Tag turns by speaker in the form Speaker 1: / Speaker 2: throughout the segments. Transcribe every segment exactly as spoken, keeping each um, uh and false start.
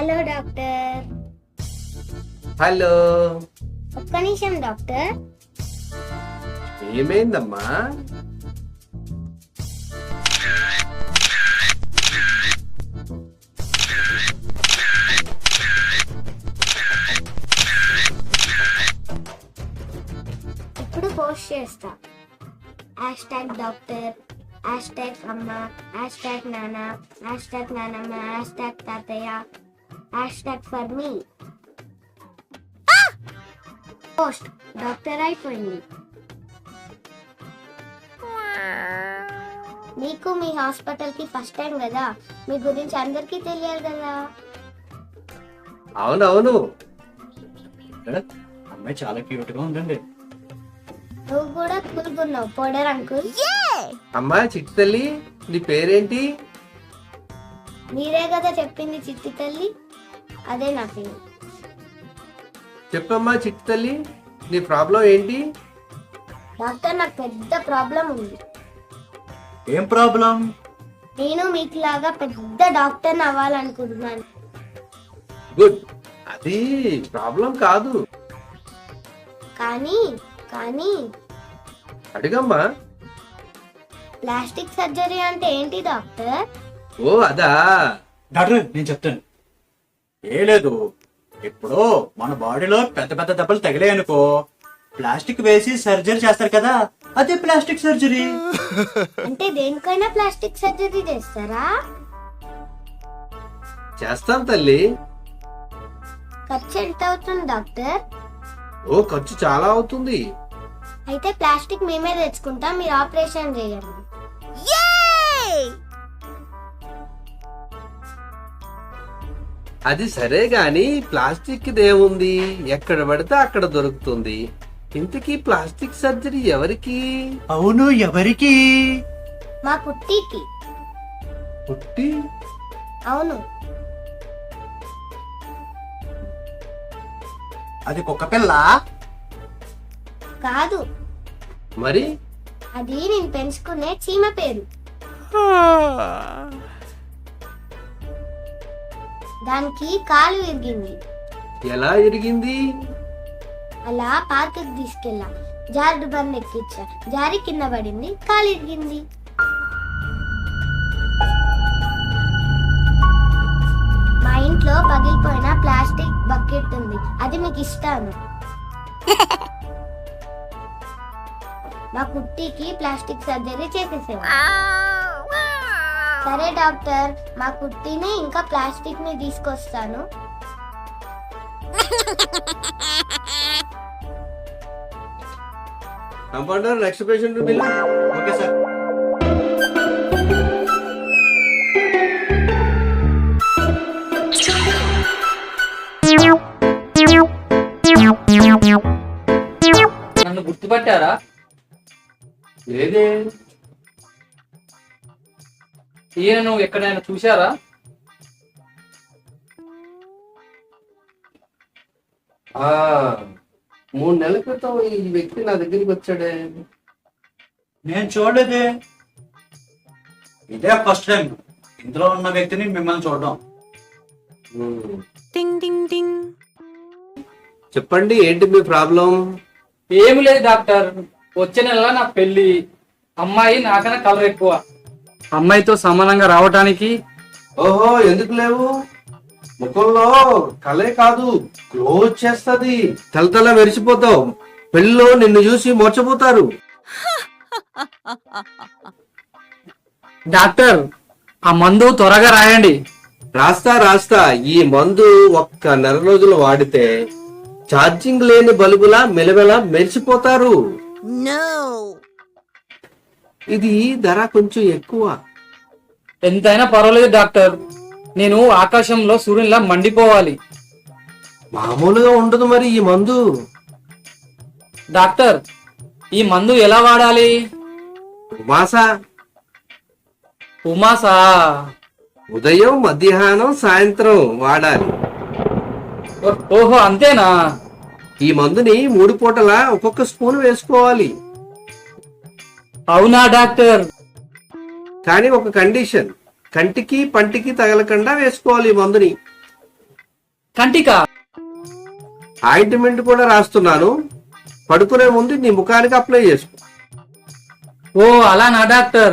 Speaker 1: Hello doctor.
Speaker 2: Hello.
Speaker 1: ఒక్క నిమిషం doctor.
Speaker 2: ఏమైందమ్మా?
Speaker 1: ఇప్పుడు పోస్ట్ చేస్తా. Hash tag doctor, hash tag అమ్మ, హ్యాష్ ట్యాగ్ నాన్న, హ్యాష్ ట్యాగ్ నానమ్మ, హ్యాష్ ట్యాగ్ తాతయ్య, hash tag for me. Post doctor అయిపోయింది. మీకు మీ హాస్పిటల్ కి ఫస్ట్ టైం కదా, మీ గురించి అందరికీ తెలియాలి కదా.
Speaker 2: అవునవును.
Speaker 3: అమ్మాయి చాలా క్యూట్ గా ఉందండి.
Speaker 1: నువ్వు కూడా కూలుకున్నావు పౌడర్ అంకుల్.
Speaker 2: అమ్మా చిట్టి తల్లి, నీ పేరేంటి?
Speaker 1: మీరే కదా చెప్పింది చిట్టి తల్లి, అదే నా పేరు.
Speaker 2: చెప్పమ్మా చిట్టి తల్లి, నీ ప్రాబ్లం ఏంటి?
Speaker 1: డాక్టర్ నాకు పెద్ద ప్రాబ్లం ఉంది.
Speaker 3: ఏం ప్రాబ్లం?
Speaker 1: నేను మీకు లాగా పెద్ద డాక్టర్ అవ్వాలనుకుంటున్నాను.
Speaker 2: గుడ్, అది ప్రాబ్లం కాదు.
Speaker 1: కానీ కానీ
Speaker 2: అడిగమ్మా.
Speaker 1: ప్లాస్టిక్ సర్జరీ అంటే ఏంటి డాక్టర్?
Speaker 2: ఓ అదా.
Speaker 3: డాక్టర్ నేను చెప్తాను. ఏ లేదు, ఇప్పుడు మన బాడీలో పెద్ద పెద్ద దెబ్బలు తగిలాయనుకో, ప్లాస్టిక్ వేసి సర్జరీ చేస్తారు కదా, అదే ప్లాస్టిక్ సర్జరీ.
Speaker 1: అంటే దేనికైనా ప్లాస్టిక్ సర్జరీ చేస్తారా?
Speaker 2: చేస్తాం తల్లి.
Speaker 1: ఖర్చు ఎంత అవుతుంది డాక్టర్?
Speaker 2: ఓ ఖర్చు చాలా అవుతుంది.
Speaker 1: అయితే ప్లాస్టిక్ మేమే తెచ్చుకుంటాం, మీరు ఆపరేషన్ చేయండి.
Speaker 2: అది సరే గాని ప్లాస్టిక్ దేముంది, ఎక్కడ పడితే అక్కడ దొరుకుతుంది. ఇంతకీ ప్లాస్టిక్ సర్జరీ ఎవరికి?
Speaker 3: అవును, ఎవరికి?
Speaker 1: మా కుట్టికి.
Speaker 2: పుట్టి?
Speaker 1: అవును.
Speaker 3: అది కుక్క పిల్ల
Speaker 1: కాదు,
Speaker 2: మరి
Speaker 1: అది నేను పెంచుకునే చీమ పేరు. దానికి కాలు విరిగింది.
Speaker 2: ఎలా ఇరిగింది?
Speaker 1: అలా పార్క్ తీసుకెళ్ళా, జారుడు బండ్ ఎక్కించా, జారి కింద పడింది, కాలు ఇరిగింది. మా ఇంట్లో పగిలిపోయిన ప్లాస్టిక్ బకెట్ ఉంది, అది మీకు ఇస్తాను. మా కుట్టికి ప్లాస్టిక్ సర్జరీ చేసేసాము. సరే డాక్టర్, మా కుట్టిని ఇంకా ప్లాస్టిక్ ని తీసుకొస్తాను.
Speaker 2: Compounder, next patient bill.
Speaker 3: Okay sir.
Speaker 4: నన్ను గుర్తుపట్టారా?
Speaker 2: లేదే.
Speaker 4: ఈయన నువ్వు ఎక్కడైనా చూశారా?
Speaker 2: ఆ మూడు నెలల క్రితం ఈ వ్యక్తి నా దగ్గరికి వచ్చాడే.
Speaker 3: నేను చూడలేదే, ఇదే ఫస్ట్ టైం ఇందులో ఉన్న వ్యక్తిని మిమ్మల్ని చూడడం.
Speaker 2: చెప్పండి, ఏంటి మీ ప్రాబ్లం?
Speaker 4: ఏమి లేదు డాక్టర్, వచ్చే నెల నా పెళ్లి. అమ్మాయి నాకన్నా కలర్ ఎక్కువ. అమ్మాయితో సమానంగా రావటానికి.
Speaker 2: ఓహో, ఎందుకు లేవు? ముఖంలో కలే కాదు, గ్లో వచ్చేస్తది, తలతల మెరిసిపోతావు. పెళ్ళిలో నిన్ను చూసి మోర్చపోతారు.
Speaker 4: డాక్టర్, ఆ మందు త్వరగా రాయండి.
Speaker 2: రాస్తా రాస్తా. ఈ మందు ఒక్క నెల రోజులు వాడితే ఛార్జింగ్ లేని బల్బులా మెలమెల మెరిసిపోతారు. ఇది ధర కొంచెం ఎక్కువ.
Speaker 4: ఎంతైనా పర్వాలేదు డాక్టర్, నేను ఆకాశంలో సూర్యునిలా మండిపోవాలి.
Speaker 2: మామూలుగా ఉండదు మరి ఈ మందు.
Speaker 4: డాక్టర్, ఈ మందు ఎలా వాడాలి?
Speaker 2: ఉమాసా.
Speaker 4: ఉమాసా?
Speaker 2: ఉదయం, మధ్యాహ్నం, సాయంత్రం వాడాలి.
Speaker 4: ఓహో, అంతేనా?
Speaker 2: ఈ మందుని మూడు పూటలా ఒక్కొక్క స్పూన్ వేసుకోవాలి.
Speaker 4: అవునా డాక్టర్?
Speaker 2: కానీ ఒక కండిషన్, కంటికి పంటికి తగలకుండా వేసుకోవాలి ఈ మందుని.
Speaker 4: కంటికా?
Speaker 2: ఆయింట్మెంట్ కూడా రాస్తున్నాను, పడుకునే ముందు నీ ముఖానికి అప్లై చేసుకో.
Speaker 4: ఓ అలానా డాక్టర్?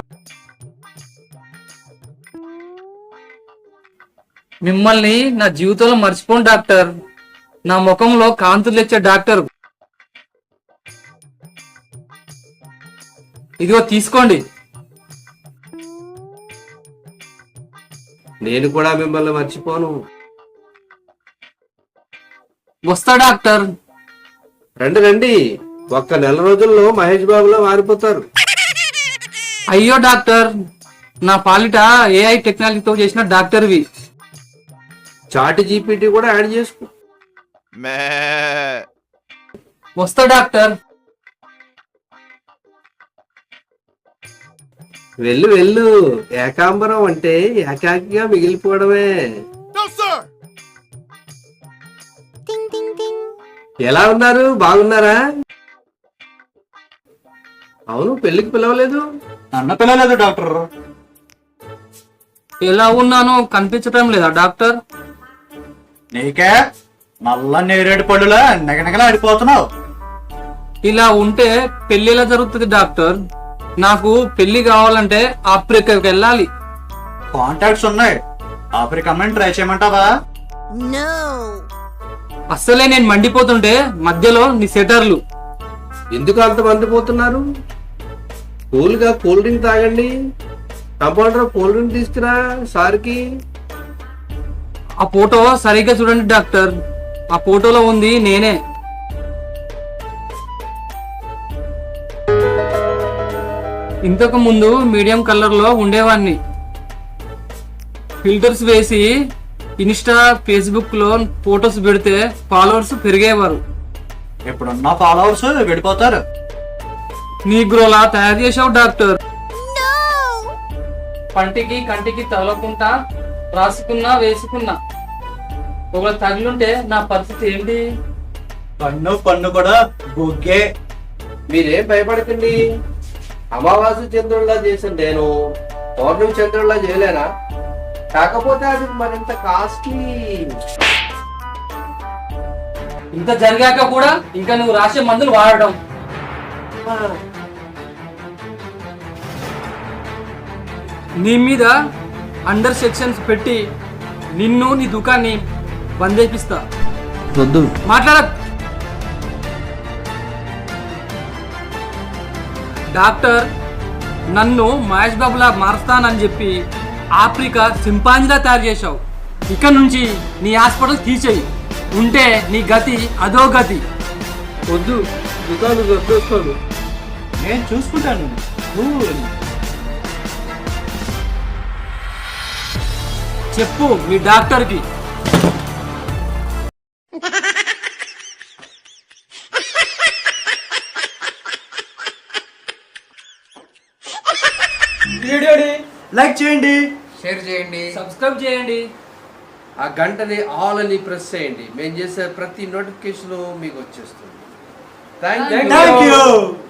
Speaker 4: మిమ్మల్ని నా జీవితంలో మర్చిపోను డాక్టర్. నా ముఖంలో కాంతులు తెచ్చే డాక్టర్. ఇదిగో తీసుకోండి.
Speaker 2: నేను కూడా మిమ్మల్ని మర్చిపోను.
Speaker 4: వస్తా డాక్టర్.
Speaker 2: రండి రండి, ఒక్క నెల రోజుల్లో మహేష్ బాబులో మారిపోతారు.
Speaker 4: అయ్యో డాక్టర్, నా పాలిట ఏఐ టెక్నాలజీతో చేసిన డాక్టర్వి.
Speaker 2: చాట్ జీపీటీ కూడా యాడ్ చేసుకో.
Speaker 4: వస్తా డాక్టర్.
Speaker 2: వెళ్ళు వెళ్ళు, ఏకాంబరం అంటే ఏకాకిగా మిగిలిపోవడమే. ఎలా ఉన్నారు, బాగున్నారా? అవును, పెళ్లికి పిలవలేదు.
Speaker 3: నన్ను పిలవలేదు డాక్టర్.
Speaker 4: ఎలా ఉన్నానో కనిపించటం లేదా డాక్టర్?
Speaker 3: నీకే నల్ల నేరేడు పళ్ళులా నెగనెగలా ఆడిపోతున్నావు.
Speaker 4: ఇలా ఉంటే పెళ్లి ఎలా జరుగుతుంది డాక్టర్? నాకు పెళ్లి కావాలంటే ఆఫ్రికాకి వెళ్ళాలి.
Speaker 3: కాంటాక్ట్స్ ఉన్నాయి, ఆఫ్రికా అమ్మని ట్రై చేయమంటావా?
Speaker 4: అస్సలే నేను మండిపోతుంటే మధ్యలో నీ సెటర్లు.
Speaker 2: ఎందుకు అంత మంది పోతున్నారు? కూల్ గా కూల్ డ్రింక్ తాగండి. కంపౌండర్ కూల్ డ్రింక్ తీసుకురా సార్కి.
Speaker 4: ఆ ఫోటో సరిగ్గా చూడండి డాక్టర్. ఆ ఫోటోలో ఉంది నేనే. ఇంతకు ముందు మీడియం కలర్ లో ఉండేవాడిని. ఫిల్టర్స్ వేసి ఇన్స్టా, ఫేస్బుక్ లో ఫోటోస్ పెడితే ఫాలోవర్స్ పెరిగేవారు.
Speaker 3: ఇప్పుడున్న ఫాలోవర్స్ విడిపోతారు.
Speaker 4: నీగ్రోలా తయారు చేసావు డాక్టర్. పంటికి కంటికి తగలకుండా రాసుకున్నా వేసుకున్నా. ఒకవేళ తగిలుంటే నా పరిస్థితి ఏంటి?
Speaker 3: పన్ను పన్ను కూడా బుగ్గే.
Speaker 2: మీరేం భయపడకండి. అమావాస్య చంద్రుల్లా చేసిన నేను పౌర్ణమి చంద్రుల్లా చేయలేనా? కాకపోతే అది మరింత కాస్ట్లీ.
Speaker 4: ఇంత జరిగాక కూడా ఇంకా నువ్వు రాసే మందులు వాడడం. నీ మీద అండర్ సెక్షన్స్ పెట్టి నిన్ను నీ దుకాన్ని బంద్ చేపిస్తా.
Speaker 2: వద్దు,
Speaker 4: మాట్లాడ. డాక్టర్, నన్ను మహేష్ బాబులా మారుస్తానని చెప్పి ఆఫ్రికా సింపాంజిలా తయారు చేశావు. ఇక్కడ నుంచి నీ హాస్పిటల్ తీసేయి, ఉంటే నీ గతి అదో గతి.
Speaker 2: వద్దు, దుకాణం వద్దు.
Speaker 3: నేను చూసుకుంటాను. నువ్వు
Speaker 4: చెప్పు మీ డాక్టర్కి.
Speaker 3: లైక్ చేయండి,
Speaker 2: షేర్ చేయండి,
Speaker 4: సబ్స్క్రైబ్ చేయండి.
Speaker 2: ఆ గంటని ఆల్ అని ప్రెస్ చేయండి. మేము చేసే ప్రతి నోటిఫికేషన్ మీకు వచ్చేస్తుంది. Thank you.
Speaker 3: Thank you.